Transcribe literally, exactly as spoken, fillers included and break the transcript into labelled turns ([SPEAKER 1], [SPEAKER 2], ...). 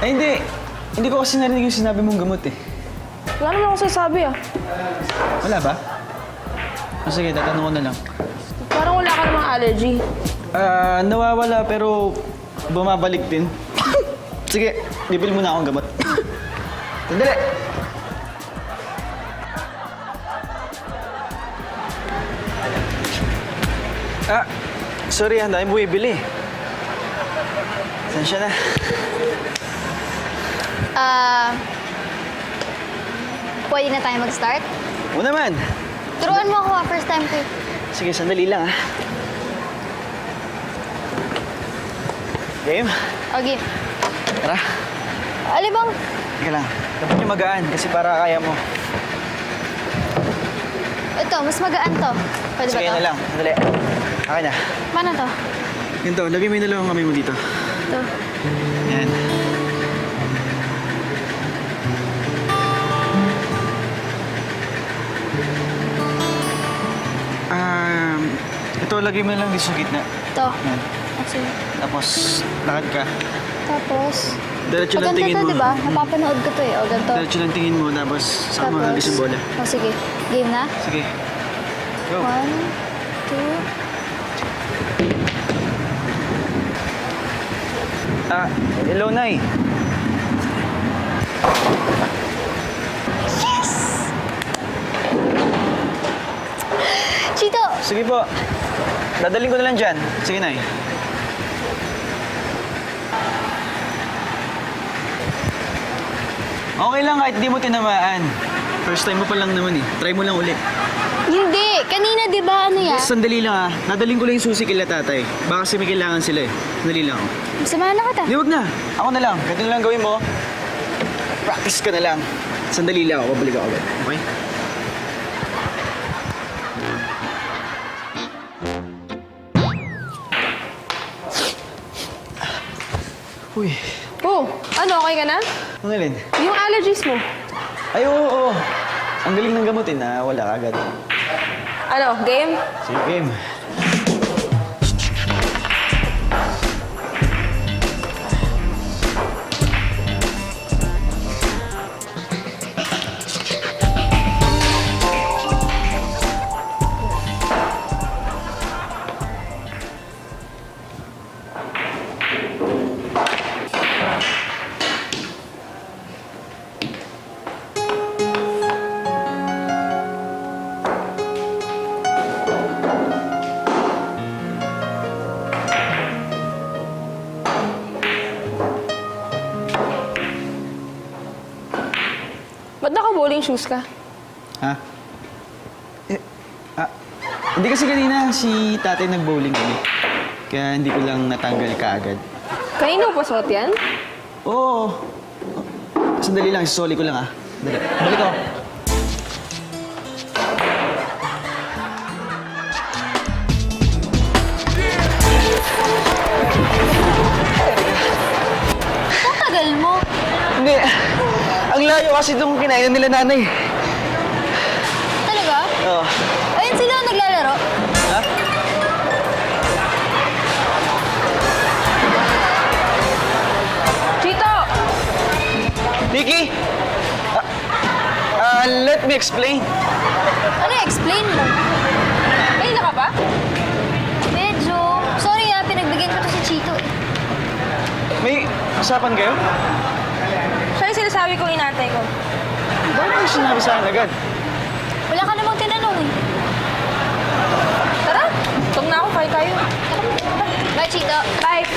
[SPEAKER 1] Ay, hindi. Hindi ko kasi narinig yung sinabi mong gamot eh.
[SPEAKER 2] Wala naman ako sasabi ah.
[SPEAKER 1] Wala ba? O sige, tatanong ko na lang.
[SPEAKER 2] Parang wala ka namang allergy.
[SPEAKER 1] Ah, nawawala pero bumabalik din. Sige, bibili mo na akong gamot. Sandali! Ah, sorry, ang dami bumibili. Saan siya na?
[SPEAKER 3] Ah... pwede na tayo mag-start?
[SPEAKER 1] Oo naman.
[SPEAKER 3] Turuan mo ako ah, first time ko. eh.
[SPEAKER 1] Sige, sandali lang ah. Game?
[SPEAKER 3] Okay.
[SPEAKER 1] Tara.
[SPEAKER 3] Alibang,
[SPEAKER 1] Teka lang. Dapat yung magaan kasi para kaya mo.
[SPEAKER 3] ito, mas magaan to. Pwede
[SPEAKER 1] Sige
[SPEAKER 3] ba to?
[SPEAKER 1] na lang. Sandali. Akin na.
[SPEAKER 3] Paano to?
[SPEAKER 1] Ganito, lagay mo yung dalawang kamay mo dito.
[SPEAKER 3] Ito.
[SPEAKER 1] Yan. Um, ito, lagay mo lang dito sa gitna.
[SPEAKER 3] Ito.
[SPEAKER 1] Yan.
[SPEAKER 3] Okay.
[SPEAKER 1] Tapos, lakad ka.
[SPEAKER 3] Tapos,
[SPEAKER 1] Diretso lang
[SPEAKER 3] maganda
[SPEAKER 1] tingin
[SPEAKER 3] to,
[SPEAKER 1] mo.
[SPEAKER 3] di ba? Napapanood ko to eh. O, ganito.
[SPEAKER 1] Diretso lang tingin mo, tapos saka mo hagis yung bola.
[SPEAKER 3] O, sige. Game na?
[SPEAKER 1] Sige. Go.
[SPEAKER 3] One, two,
[SPEAKER 1] Ah, hello, Nay.
[SPEAKER 3] yes! Chito!
[SPEAKER 1] Sige po. Dadaling ko na lang dyan. Sige, Nay. Okay lang kahit di mo tinamaan. First time mo pa lang naman eh. Try mo lang ulit.
[SPEAKER 3] Hindi! Kanina, di ba, ano yan?
[SPEAKER 1] Sandali lang ah. Nadaling ko lang yung susi kila tatay. Baka kasi may kailangan sila eh. Sandali lang ako.
[SPEAKER 3] Samahan na kita.
[SPEAKER 1] Di, wag na. Ako na lang. Ganito na lang gawin mo. Practice ka na lang. Sandali lang ako. Babalik ako agad. Okay? Uy.
[SPEAKER 2] Oh, ano, okay ka na?
[SPEAKER 1] Ano Lin?
[SPEAKER 2] Yung allergies mo.
[SPEAKER 1] Ay, oo, oo. Ang galing ng gamutin na wala ka agad.
[SPEAKER 2] Ano, game?
[SPEAKER 1] Sige, game.
[SPEAKER 2] Ba't naka-bowling shoes ka?
[SPEAKER 1] Ha? Eh, ah, hindi kasi kanina si tatay nag-bowling kami. Kaya hindi ko lang natanggal kaagad.
[SPEAKER 2] Kanino pa suot yan?
[SPEAKER 1] Oo. Sandali lang, sisoli ko lang ah. Dali. Balik ako.
[SPEAKER 3] Ang tagal mo.
[SPEAKER 1] Hindi. Ang layo kasi itong kinainan nila nanay.
[SPEAKER 3] Talaga?
[SPEAKER 1] Oo.
[SPEAKER 3] Ayun sila naglalaro.
[SPEAKER 1] Ha?
[SPEAKER 2] Chito!
[SPEAKER 1] Vicky! Ah, ah, let me explain.
[SPEAKER 3] Ano, explain mo?
[SPEAKER 2] Kanina ka pa?
[SPEAKER 3] Medyo. Sorry ah, pinagbigyan ko to si Chito eh.
[SPEAKER 1] May usapan kayo?
[SPEAKER 2] Siya yung sinasabi kong inatay ko.
[SPEAKER 1] Bakit mo sinabi sa akin agad?
[SPEAKER 3] Wala ka namang tinanong eh.
[SPEAKER 2] Tara, tum na ako, kaya tayo.
[SPEAKER 3] Bye, Chito.
[SPEAKER 2] Bye!